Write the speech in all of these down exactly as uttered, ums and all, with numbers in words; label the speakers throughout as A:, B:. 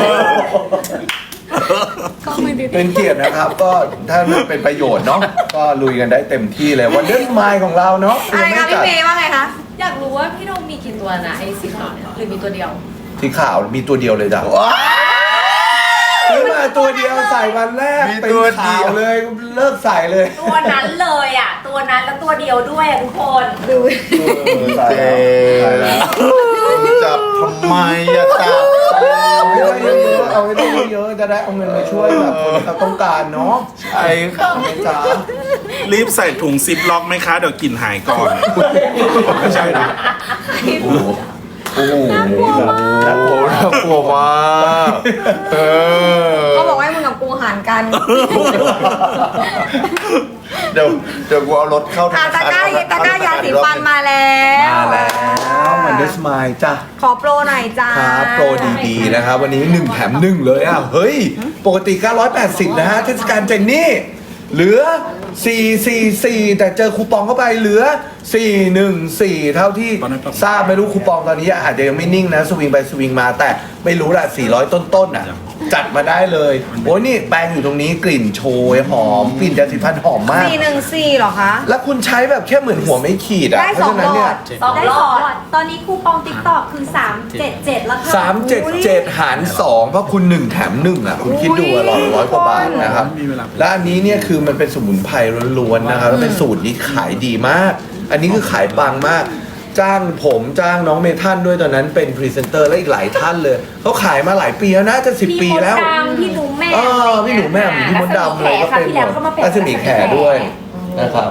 A: ก็ไม่ได้
B: เป็นเกียรตินะครับ ก็ถ้ามันเป็นประโยชน์เนาะก็ลุยกันได้เต็มที่เลยวันเดอร์สไมล์ของเราเนาะ
C: อะไรคะพี่เมย์ว่าไงคะ
A: อยากรู้ว่าพี่โดมมีกี่ตัวนะไอ้สีขาวเนี่ยหรือมีตัวเดียว
B: สีขาวมีตัวเดียวเลยจ้ะซื้อมาตัวเดียวใส่วันแรกเป็นขาวเลยเลิกใส่เลย
D: ตัวนั้นเลยอ่ะ ตัวนั้นแล้วตัวเดียวด้วยอ่ะทุกคน
C: ดู
B: ใส่แล้วใส่แล้ว
E: จับทำไมอะจับ
B: เอาให้ได้เยอะๆเอาให้ได้เยอะๆจะได้เอาเงินมาช่วยแบบคนที่เขาต้องการเนาะ
E: ใช่ค่ะ
B: จ้า
F: รีบใส่ถุงซิปล็อกไหมคะ เดี๋ยวกลิ่นหายก่อน ไม่ใช่นะ
B: โอ้โหโอ้โหน่ากลัวมาก
E: โอ้โหน่ากลัวมากเออ
C: เขาบอกว่าให้มึงกับกูหารกัน
E: เดี๋ยวเดี๋ยวกูเอารถเข้า
C: อ่ะตะกร้าตะกร้ายาสีฟันมาแล้ว
B: มาแล้วมันเดสมายจ้ะ
C: ขอโปรหน่อยจ้า
B: ครับโปรดีๆนะครับวันนี้หนึ่งแถมหนึ่งเลยอ่ะเฮ้ยปกติเก้าร้อยแปดสิบนะฮะเทศกาลเจนนี่เหลือสี่ร้อยสี่สิบสี่แต่เจอคูปองเข้าไปเหลือสี่ร้อยสิบสี่เท่าที่ทราบไม่รู้คูปองตอนนี้อาจจะยังไม่นิ่งนะสวิงไปสวิงมาแต่ไม่รู้ละสี่ร้อยต้นๆอ่ะจัดมาได้เลยโอ้ยนี่แปรงอยู่ตรงนี้กลิ่นโชยหอมกลิ่นยาสีฟันหอมมาก
C: สี่หนึ่งสี่เหรอคะ
B: แล้วคุณใช้แบบแค่เหมือนหัวไม่ขีดอ่ะ
C: ได้
B: เพ
C: สอ
B: ราะ
C: ง
B: ฉะนั้น
C: หล
B: เนี่
C: อย ด
D: สอง
A: ได้
D: ร
A: ส
D: อ
A: อง
D: ด
A: หลอดตอนนี้คูปองติ๊กตอกคือสามเจ็ดเจ็ดแล้วค่ะ
B: สามเจ็ดเจ็ดหารสองเพราะคุณหนึ่งแถมหนึ่งอ่ะ คุณคิดดูอะหลอดร้อยกว่าบาทนะครับ
F: มีเวลา
B: และอันนี้เนี่ยคือมันเป็นสมุนไพรล้วนๆนะครับแล้วเป็นสูตรที่ขายดีมาก อันนี้คือขายปังมาก จ้างผมจ้างน้องเมทันด้วยตอนนั้นเป็นพรีเซนเตอร์และอีกหลายท่านเลยเขาขายมาหลายปีแล้วนะจะสิบปีแล้ว
D: พี่มดดำพี่หนูแม่
B: เออพี่หนูแม่พี่มดดำเลยก็เป็น
D: ที่แล้วเขามาเป็น
B: รัศมีแขด้วยนะครับ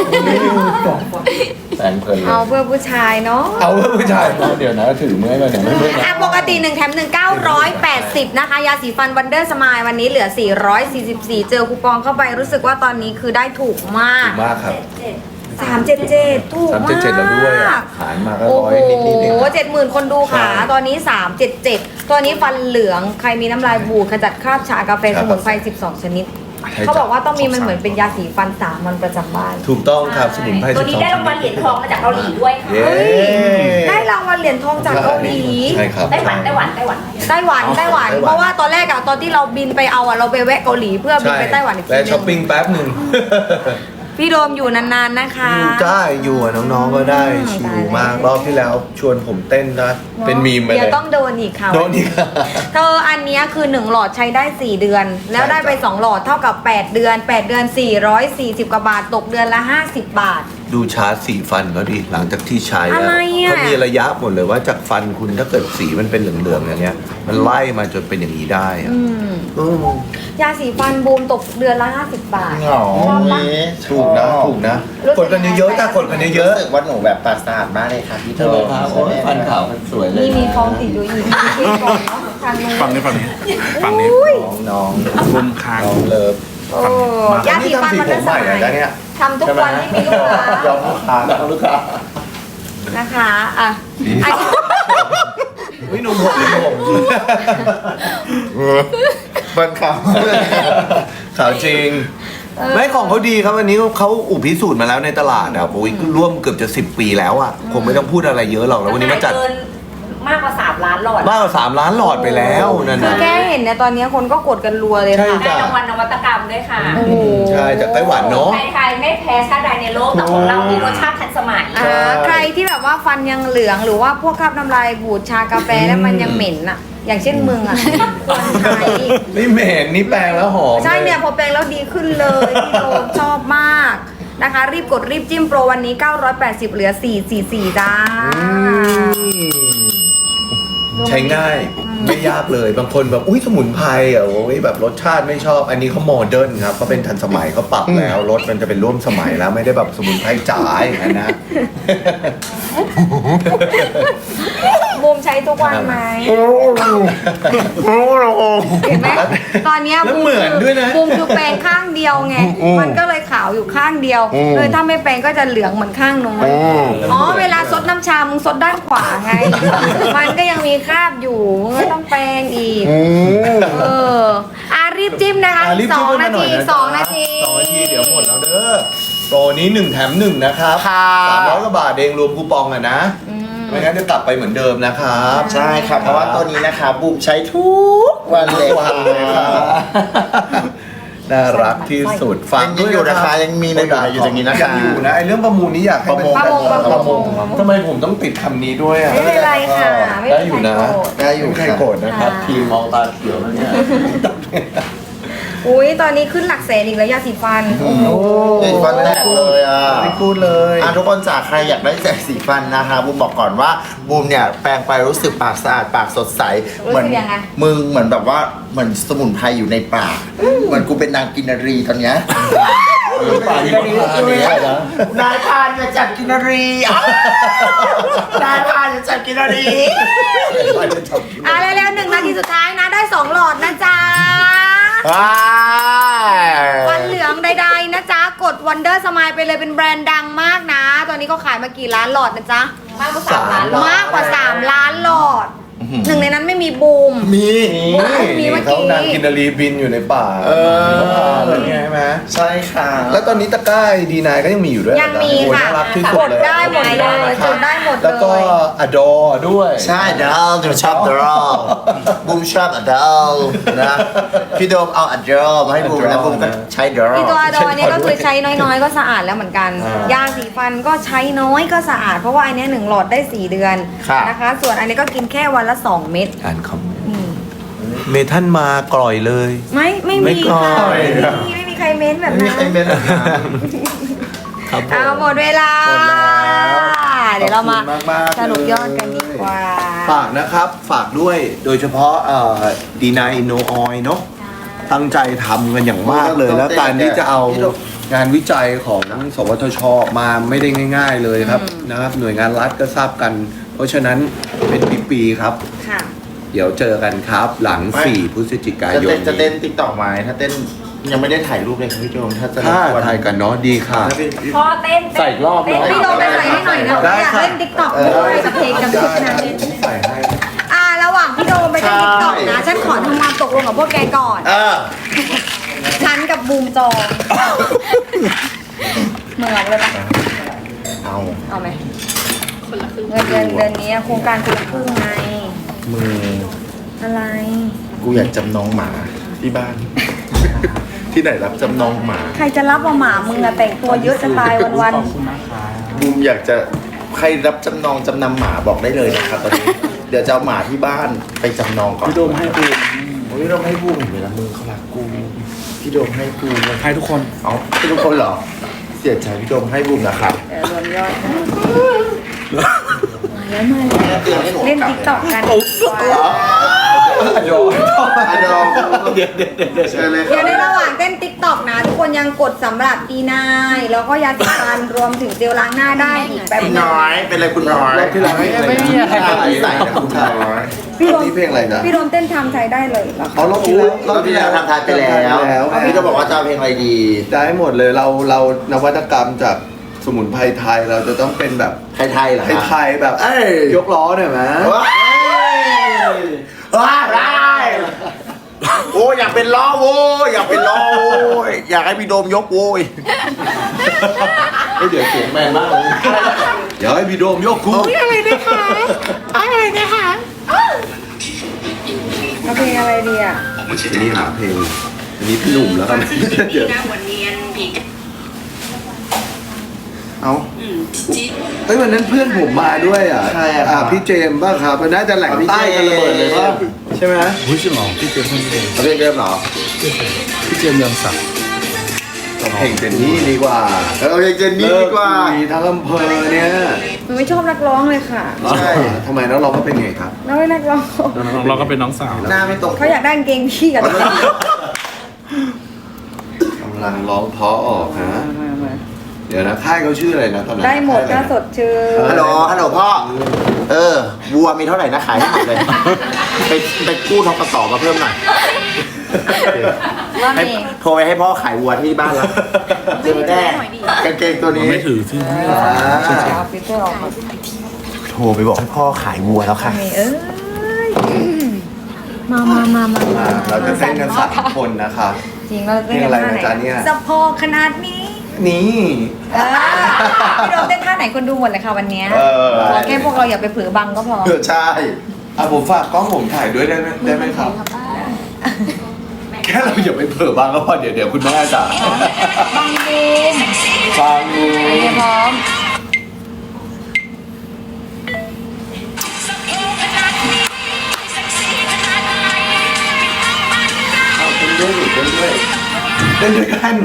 B: แฟนเพลินเล
C: เอา
B: ย
C: เพื่อผู้ชายเนาะ
B: เอาเพื่อผู้ชายเดี๋ยวนะถือเมื่อยมาเนี่ยไม่เมื่อยนะ
C: อ่ะปกติหนึ่งแถมหนึ่งเก้าร้อยแปดสิบนะคะ ยาสีฟันวันเดอร์สมายวันนี้เหลือสี่ร้อยสี่สิบสี่เจอคูปองเข้าไปรู้สึกว่าตอนนี้คือได้ถูกมาก
B: ถูกมากครับ
C: สามเจ็ดเจ็ดถูก
B: สาม
C: มาก
B: เจ็ดเจ็ดแล้วด้วยอ่ะหารมาก็
C: โอ้
B: ร้อย
C: โห
B: นิดๆเองนะ
C: เจ็ดหมื่นคนดูค่ะ
B: ใช่
C: ตอนนี้สามเจ็ดเจ็ดตัวนี้ฟันเหลืองใครมีน้ำลายบูดขจัดคราบชากาแฟ
B: ครั
C: ส
B: บ
C: มุนไพรสิบสองชนิด
B: ใช่
C: เขาบอกว่าต้องมี
B: จ้ะ
C: มันเหมือนเป็นยาสีฟันสามัญประจำบ้าน
B: ถูกต้องครับสมุนไพร
D: ตัว
B: สิบ
D: นี้
B: สอง
D: ได้รางวัลเหรียญทองมาจากเกาหลีด้วยค่ะ
B: เย้
C: เฮ้ย ได้รางวัลเหรียญทองจากเกาหลี
B: ใช่ครับ
D: ไต้หวันไต้หวันไต้หวัน
C: ไต้หวันไต้หวัน เพราะว่าตอนแรกอะตอนที่เราบินไปเอาอะเราไปแวะเกาหลีเพื่อบินไปไต้หวันอีกที
B: และ
C: นึ
B: ช้อปปิ้ง
C: ง
B: แป๊บหนึ่ง
C: พี่โดมอยู่นานๆนะคะ
B: อยู่ได้อยู่อะน้องๆก็ได้
C: อืม
B: ชิ
C: ได้
B: ลมากรอบที่แล้วชวนผมเต้นนะเป็นมีมไป
C: เดี๋
B: เลย
C: วย ต้องโดนอีกค่ะ
B: โดนอีก
C: เธออันเนี้ยคือหนึ่งหลอดใช้ได้สี่เดือน แล้วได้ไป
B: ใช่จ้ะ
C: สองหลอดเท่ากับแปดเดือนแปดเดือนสี่ร้อยสี่สิบกว่าบาทตกเดือนละห้าสิบบาท
B: ดูชาร์จสีฟันเขาดิหลังจากที่ใช้
C: อะ
B: แล้ว
C: ไรอะ
B: เขามีระยะหมดเลยว่าจากฟันคุณถ้าเกิดสีมันเป็นเหลืองๆอย่างเงี้ย มันไล่มาจนเป็นอย่างนี้ได้อะ
C: อืม
B: เออย
C: าสีฟันบูมตกเดือนละห้าสิบบาท
E: เหงานี้
B: ถูกนะถูกนะ
C: รู้สึ
B: กดกันเยอะๆถ้ากดกันเยอะ
E: รู้สึกว่าหนูแบบปราสาทมากเลยค่ะพี่
B: ๆ
E: เธอ
B: ฟันขาวมันสวยเลย
C: นี่มีฟองติดอยู่อีกมีก่อนเนาะทางนู้น
F: ฝั่งนี้ฝั่งนี้ฝั่งนี้
C: อุ้ย
B: น้อง
F: บนคาง
B: น้องเลิฟ
C: โอ้ยาสีฟันมัน
B: นี่
C: ได้
B: ทำสีผมใหม่
C: สมัย
B: เหรอจ๊ะเนี่ย
C: ทำทุกวันไม่มีลูกค้าย
B: อมลูกค้ายอมลูกค้า
C: นะคะอ่ะอันนี้
B: วิหนุ่มผมหนุ่มผม
E: บันขาว
B: ขาวจริง ไม่ของเขาดีครับอันนี้เขาอุปพิสูจน์มาแล้วในตลาดอ่ะโอ้ยร่วมเกือบจะสิบปีแล้วอ่ะคงไม่ต้องพูดอะไรเยอะหรอกแล้ววันนี้มาจัด
D: เกินมากกว่าสามล้านหลอด
B: มากกว่าสามล้านหลอดไปแล้วนั่น
C: คือ
B: นะ
C: แค่เห็นเนี่ยตอนนี้คนก็กดกันรัวเลย
B: ใช่
C: ค่ะ
D: ได้รางวัลนวัตกรรมด้วยค่ะ
C: โอ้โห
B: ใช่จากไต้หวันเนาะ
D: ไทยๆไม่แพ้ชาติใดในโลกแต่ของเรามีรสชาติทันสมัย
C: อ่าใครที่แบบว่าฟันยังเหลืองหรือว่าพวกคราบน้ำลายบูดชากาแฟแล้วมันยังเหม็นอ่ะ อย่างเช่นมึงอ่ะควรใช้
B: นี่เหม็นนี่แปรงแล้วหอม
C: ใช่เนี่ย
B: ล
C: พอแปรงแล้วดีขึ้นเลยพี่โดมชอบมากนะคะ รีบกดรีบจิ้มโปรวันนี้เก้าร้อยแปดสิบเหลือสี่ร้อยสี่สิบสี่จ้า
B: ใช้ง่ายไม่ยากเลยบางคนแบบอุ้ยสมุนไพรอ่ะโอ้ยแบบรสชาติไม่ชอบ อันนี้เขาโมเดิร์นครับเขาเป็นทันสมัยเขาปรับแล้วรสมันจะเป็นร่วมสมัยแล้วไม่ได้แบบสมุนไพรจ๋าอย่างนั้นนะ
C: บูมใช้ทุกวันไหมเห็นไหมตอนเนี้ย
B: แล้ว
C: บูม
B: เหมือนด้วยนะ
C: บูมคือแปรงข้างเดียวไง มันก็เลยขาวอยู่ข้างเดียว เลยถ้าไม่แปรงก็จะเหลืองเหมือนข้างโน้นอ๋อเวลาซดน้ำชามึงซดด้านขวาไง มันก็ยังมีคราบอยู่มึงก็ต้องแปรงอีกเอออ่ะรีบจิ้มนะคะ
B: อ่ะรีบ
C: ส
B: จิ้
C: อ
B: ม
C: ง
B: กั
C: นา
B: ห
C: ที
B: ยะ
C: สองนาที
B: สองนาทีเดี๋ยวหมดแล้วเด้อโปรนี้หนึ่งแถมหนึ่งนะครับ
E: ค่ะ
B: สามร้อยกว่าบาทเองรวมคูปองอ่ะนะ
C: อืม
B: ไม่งั้นจะกลับไปเหมือนเดิมนะครับ
E: ใช่ครับ เพราะว่าตัวนี้นะคะบูมใช้ทุกวันเลย
B: วันเลยครับน่ารักที่สุดฝาก
E: ยัง
B: ด้วย
E: อยู่
B: นะ
E: นะ
B: ค
E: คะ
B: รับ
E: ยังมีในอยู่อยู่ตรงนี้นะคะ
B: ยังอยู่นะไอเรื่องประมูลนี้อยากให้มัน
C: ประมงประมง
B: ทำไมผมต้องติดคำนี้ด้วยอ่ะ
C: ไม่เป็นไรค่ะไม่
B: ได้
C: เป็น
B: อยู่
C: ไร
B: นะ
C: โกรธ
B: ได้อยู่ใครโกรธนะครับ
C: ค่ะ
B: ทีมมองตาเขียวแล้วเนี่ย
C: อุ้ยตอนนี้ขึ้นหลักแสนอีกแล้วยาสีฟันโอ้โห
E: เด็กฟันแตกเลยอ่ะ
B: ไม่พูดเลย
E: อ่ะทุกคนจากใครอยากได้แสงสีฟันนะคะบูมบอกก่อนว่าบูมเนี่ยแปรงไปรู้สึกปากสะอาดปากสดใส
C: รู้สึกยังไง
E: มึงเหมือนแบบว่าเหมือนสมุนไพรอยู่ในปากเหมือนกูเป็นนางกินนารีตอนเนี้ย
B: ป่าที่เขาทานเนี่ยนะ
E: นายพานจะจับกินนารีอ้าวนายพานจะจับกินนารี
C: อ่ะเร็วๆหนึ่งนาทีสุดท้ายนะได้สองหลอดนะจ๊ะ
E: ว้า
C: ฟันเหลืองใดๆนะจ๊ะ กด Wonder Smile ไปเลยเป็นแบรนด์ดังมากนะ ตอนนี้ก็ขายมากี่ล้านหลอดนะจ๊ะ
D: มากกว่าสามล้านหลอด
C: มากกว่า สาม ล้านหลอด หนึ่งในนั้นไม่มีบูม
E: มี
C: มีเมื่อกี้
B: เขานางกินนารีบินอยู่ในป่า
E: เออ
B: เขาพาอะไรเงี้ยใช่ไหม
E: ใช่ค่ะ
B: แล้วตอนนี้ตะกร้าดีนายก็ยังมีอยู่ด้วย
C: ยังมี
B: โอ้ย
C: ค่ะ
B: น่ารักที่สุ
C: ก
B: ด
C: ด
B: เลย
C: ได้หมดเลยกดได้หมด
B: แล้ว
C: เล
B: ก็
C: ย
B: อดอด้วย
E: ใช่เดลจะชอบเดลบูมชอบอเดลนะพี่โดมเอาอเดลมาให้บูมแล้วบูมก็ใช้เดล
C: อีตัวอดอเนี่ยก็คือใช้น้อยๆ ก็สะอาดแล้วเหมือนกัน
B: อ่าย
C: าสีฟันก็ใช้น้อยก็สะอาด เพราะว่าอันเนี้ยหนึ่งหลอดได้สี่เดือน
E: ค่ะ
C: นะคะ ส่วนอันนี้ก็กินแค่วันละสองเม็ด
B: อ่านคอมเมนต์
C: อืม
B: เมทันมากร่อยเลย
C: ไม่ไม่
B: ไม่
C: มี
B: ก่อ
C: ค่ะ
B: ย
C: ไม่มีไม่มีใครเม้นแบบ
E: ไม่มี
C: นั้น
E: ใครเป็นอะไร
B: ครับผม
C: เอาหมดเวลา
B: หมดแล้ว
C: เดี๋ยวเรามา
B: ขอบคุณมากๆ
C: สรุปยอดกันดีกว่า
B: ฝากนะครับ ฝากด้วยโดยเฉพาะดีนายอินโนออยเนาะตั้งใจทำกันอย่างมากเลย แล้วการที่จะเอางานวิจัยของสวทชมาไม่ได้ง่าย ๆเลยครับนะครับ หน่วยงานรัฐก็ทราบกัน เพราะฉะนั้นเป็นปีๆครับ
C: ค่ะ
B: เดี๋ยวเจอกันครับ หลัง
E: ไม่
B: สี่พฤศจิกา
E: จะ
B: ยน
E: เต้นจะเต้น
B: นี้
E: ติ๊กต็อกไหมถ้าเต้นยังไม่ได้ถ่ายรูปเลยครับพี่โดมถ้าจะ
B: ถ้าร
E: บกวน
B: ถ่ายกันเนาะดีค่ะ
E: ถ้าเป็น
D: พอเต้น
B: ใส่อีกรอบเนอะ
C: พี่โดมไปใส่ให้หน่อยนะ
B: ได้
C: อยาก
B: ค่ะ
C: เล่นติ๊กต็อกด้วยกับเพลงกับชุดนั้น
B: ใส่ให้
C: อ่าระหว่างพี่โดมไปเล่นติ๊กต็อกนะ ฉันขอทำความตกลงกับพวกแกก่อน
E: เออ
C: ฉันกับบูมจองเหมือนเลยปะ
E: เอา
C: เอาไหมเงินเดือนเดือนนี้โครงการคนละครึ่งไง
E: มือ
C: อะไร
E: กูอยากจำนองหมาที่บ้าน ที่ไหนรับจำนองหมา
C: ใครจะรับว่าหมามึงอะแต่งตัวเยอะจะตายวัน
E: บูมอยากจะใครรับจำนองจำนำหมาบอกได้เลยนะครับตอนนี้ เดี๋ยวจะเอาหมาที่บ้านไปจำนองก่อนพี่โดมให้บูมโอ้ยเราให้บูมเห็นไหมล่ะมือเขารักกูพี่โดมให้กูให้ทุกคนเอาให้ทุกคนเหรอเสียใจพี่โดมให้บูมนะครับ
C: ๆเดี๋ยวรวมยอดกันมาแล้วมาแล้วเล่นติ๊กต็อกกันดีกว่า
B: โยน
E: ไอ้โดมเดี๋ยวเดี๋ยวเดี๋ยวเชิญเลย
C: เดี๋ยวในระหว่างเต้นติ๊กต็อกนะ ทุกคนยังกดสำหรับดีนายแล้วก็ยาสีฟันรวมถึงเจลล้างหน้าได้อีกแป๊บ
E: คุณ
C: นึง
E: น้อยเป็นอะไรคุณน้อย
B: รอบที่แล้วให้อะไรนะ
E: ไม่มีอะไรใส่นะคุณน้อย
C: พี่โดม
B: นี่เพลงอะไรนะ
C: พี่โดมเต้นทำใจได้เลยเหรอคะ
B: เอารอบที่แล้ว
E: รอบที่แล้วทำทานไปแล้วพี่ก็บอกว่าจะเอาเพลงอะไรดี
B: ได้หมดเลยเราเรานวัตกรรมจากสมุนไพรไทยเราจะต้องเป็นแบบ
E: ไทยๆเหรอ
B: ไทยๆแบบ
E: เอ้ย
B: ยกล้อหน่อยไหม
E: ว้ายว้ายได้โอ้ยอยากเป็นล้อโว้ยอยากเป็นล้อโว้ยอยากให้พี่โดมยกโว้ย
B: เฮ้ยเดี๋ยวเสียงแมนมากเลยเดี๋ยวให้พี่โดมยกกู
C: อะไรนะคะอะไรนะคะเอาเพลงอะไรดีอ่ะ
B: ทีนี้หาเพลงอันนี้พี่หนุ่มแล้วกันเดี๋ยว
E: เอา
B: เฮ้ยวันนั้นเพื่อนผมมาด้วยอ่ะ
E: ใครอะครับ
B: พี่เจมส์ป่ะครับมันน่าจะแหล่งใต้กันระเบิดเลยป่ะใช่ไหม
F: หุ้ยจริงเหรอพี่เจมส์คนเดียว
E: เอาเพลงเดิมเหรอ
F: พี่เจมส์เรืองศักดิ์
B: เพลงเป็นนี่ดีกว่า
E: เอาเพลงเจนนี่ดีกว่า
B: เลิคุยทั้งอำเภอเนี่ย
C: หนูไม่ชอบนักร้องเลยค่ะ
E: ใช่
B: ทำไมนักร้องก็เป็นไงครับ
C: น้อยนักร้อง
F: เราก็เป็นน้องสาว
E: หน้าไม่ตรง
C: เขาอยากได้กางเกงพี่กับ
B: กำลังร้องเพราะออกฮะเดี๋ยวนะค่ายเขาชื่ออะไรนะตอนนั้น
C: ได้หมดถ้าสดชื่น
E: ฮัลโหลฮัลโหลพ่อ เออวัวมีเท่าไหร่นะขายให้หมดเลย ไปไปกู้ทกสมาเพิ่มหน่อย
C: ว่า
E: ให้
C: มี
E: โทรไปให้พ่อขายวัวที่บ้านแล้วเจอแน่กางเกงตัวนี้
F: ไม่ถือที่
C: เอาฟิลเตอร์ออกมา
E: โทรไปบอกให้พ่อขายวัวแล้วค่ะ
C: มีเอ้ยมามามามามา
B: เราจะเต้นกันสามคนนะคะ
C: จริงเราเต้นกันท่าไหนสะโพกขนาดนี้
B: นี่
C: เออพี่โดมเต้นท่าไหนคนดูหมดเลยค่ะวันเนี้ย
E: เออ
C: ขอแค่พวกเราอย่าไปเผลอบังก็พอ
E: เออใช่
B: อ่ะผมฝากกล้องผมถ่ายด้วยได้ไหมได้ไหมครับแค่เราอย่าไปเผลอบางก็พอเดี๋ยวเดี๋ยวคุณแม่จ๋า
C: บังบูม
B: ฟังดู
C: โอเคพร้อม
B: เอาเต้นด้วยเต้นด้วยเต้นด้วยกัน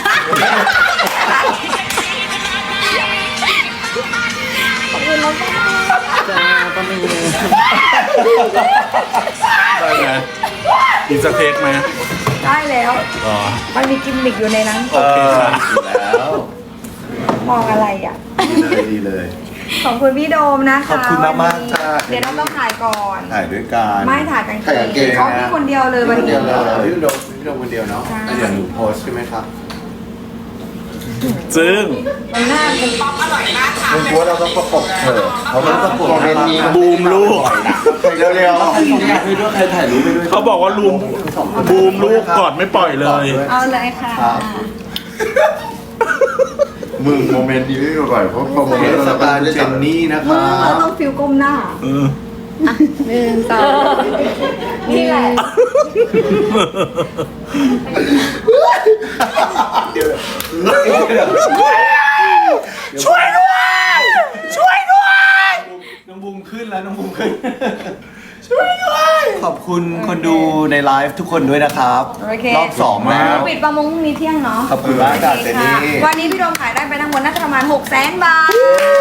F: ได้ไหมอีกสักเทคไหม
C: ได้แล้ว
F: อ๋อ
C: มันมีกิมมิกอยู่ในนั้น
F: โอเคค่ะ
B: อยู่แล้ว
C: มองอะไรอ่ะ
B: ดีเลยดีเลย
C: ขอบคุณพี่โดมนะคะ
B: ขอบคุณมากๆ
C: วันนี้
B: จ้า
C: เดี๋ยวเราต้องถ่ายก่อน
B: ถ่ายด้วยกัน
C: ไม่ถ่ายกันเก
E: ถ่ายกางเกง
C: เขาพี่คนเดียวเลยวัน
B: เดี
C: นี้
B: ยวเลยพี่โดมพี่โดมคนเดียวเนาะ
C: ใช่
B: แล้วเดี๋ยวหนูโพสต์ใช่ไหมครับ
F: ซึ่ง
C: มันน่าเป็น
E: มึงกลัวเราต้องประกบเธอเขาไม่ประกบเป็นนี้
F: บูมลูก
E: เร็วเร็ว
B: ใครส่งงานให้ด้วยใครถ่ายรูปไปด้วย
F: เขาบอกว่าลูมบูมลูกกอดไม่ปล่อยเลย
C: เอาเลยค่ะ
B: ครับ
E: มึงโมเมนต์นี้ไม่บ่อยเพราะพอโม
B: เท
E: เมนต์
B: ศ
E: เรา
B: กาล
E: ได้
B: เจ
E: จับ
B: นนี่นะค
C: มึ
B: รั
C: งเรา
B: บ
C: ต้องฟิลก้มหน้า
F: เออ
C: หนึ่งสอง
D: นี่แหละ
B: ช่วยด้วย ช่วยด้วย น้องบูมขึ้นแล้วน้องบูมขึ้น ช่วยด้วย ขอบคุณคนดูในไลฟ์ทุกคนด้วยนะครับ
C: โอเค
B: รอบสองแล้ว
C: ปิดประมงพรุ่งนี้เที่ยงเนาะ
B: ขอบคุณมากจ้ะเจนนี่
C: วันนี้พี่โดมขายได้ไปทั้งหมดน่าจะประมาณหกแสนบาท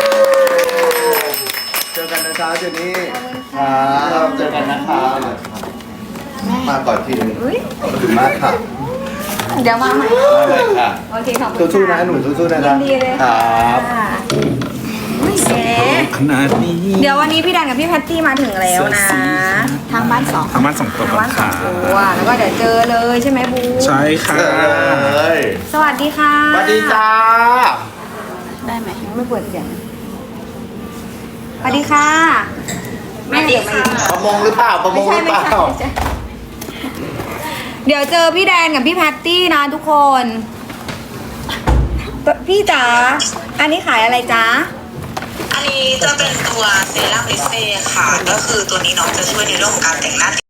B: เจอกันนะจ๊ะเจนนี่
C: ขอบคุณ
B: ค
C: ค่ะ
B: รับเจอกันนะครับมาก่อนทีนึง
C: อุ๊ย
B: ขอบคุณมากค่ะ
C: เดี๋ยวมาใหม่
B: มาเลยค่ะ
C: โอเคขอบคุณ
B: สู้ๆนะหนูสู้ๆนะ
C: ยินดีเลย
B: ค
C: ค่ะ
B: รับ
C: อุ๊ยเก๋
F: ขนาดนี้
C: เดี๋ยววันนี้พี่แดนกับพี่แพตตี้มาถึงแล้วนะ ทางบ้านสอง
F: ทำมาสองตัว
C: ทาง
F: ก่อ
C: บ้าน นสอ
F: ค่ะ
C: งตัวแล้วก็เดี๋ยวเจอเลยใช่ไหมบู
F: ใช่ค่ะ
E: เลย
C: สวัสดีค่ะ
E: สวัสดีจ้า
C: ได้ไหมไม่เปิดเสียงสวัสดีค่ะแม่เดี๋ยวมาอีก
E: ประมงหรือเปล่าประม
C: ไม่
E: ง
C: ใช่
E: หรือ
C: ไม่
E: เป
C: ใช่
E: ล่า
C: ไม่ใช่เดี๋ยวเจอพี่แดนกับพี่แพตตี้นะทุกคน พี่จ๋าอันนี้ขายอะไรจ๊ะ
G: อันนี้จะเป็นตัวเซรั่มลิเซ่ค่ะ ก็คือตัวนี้เนาะจะช่วยในเรื่องของการแต่งหน้า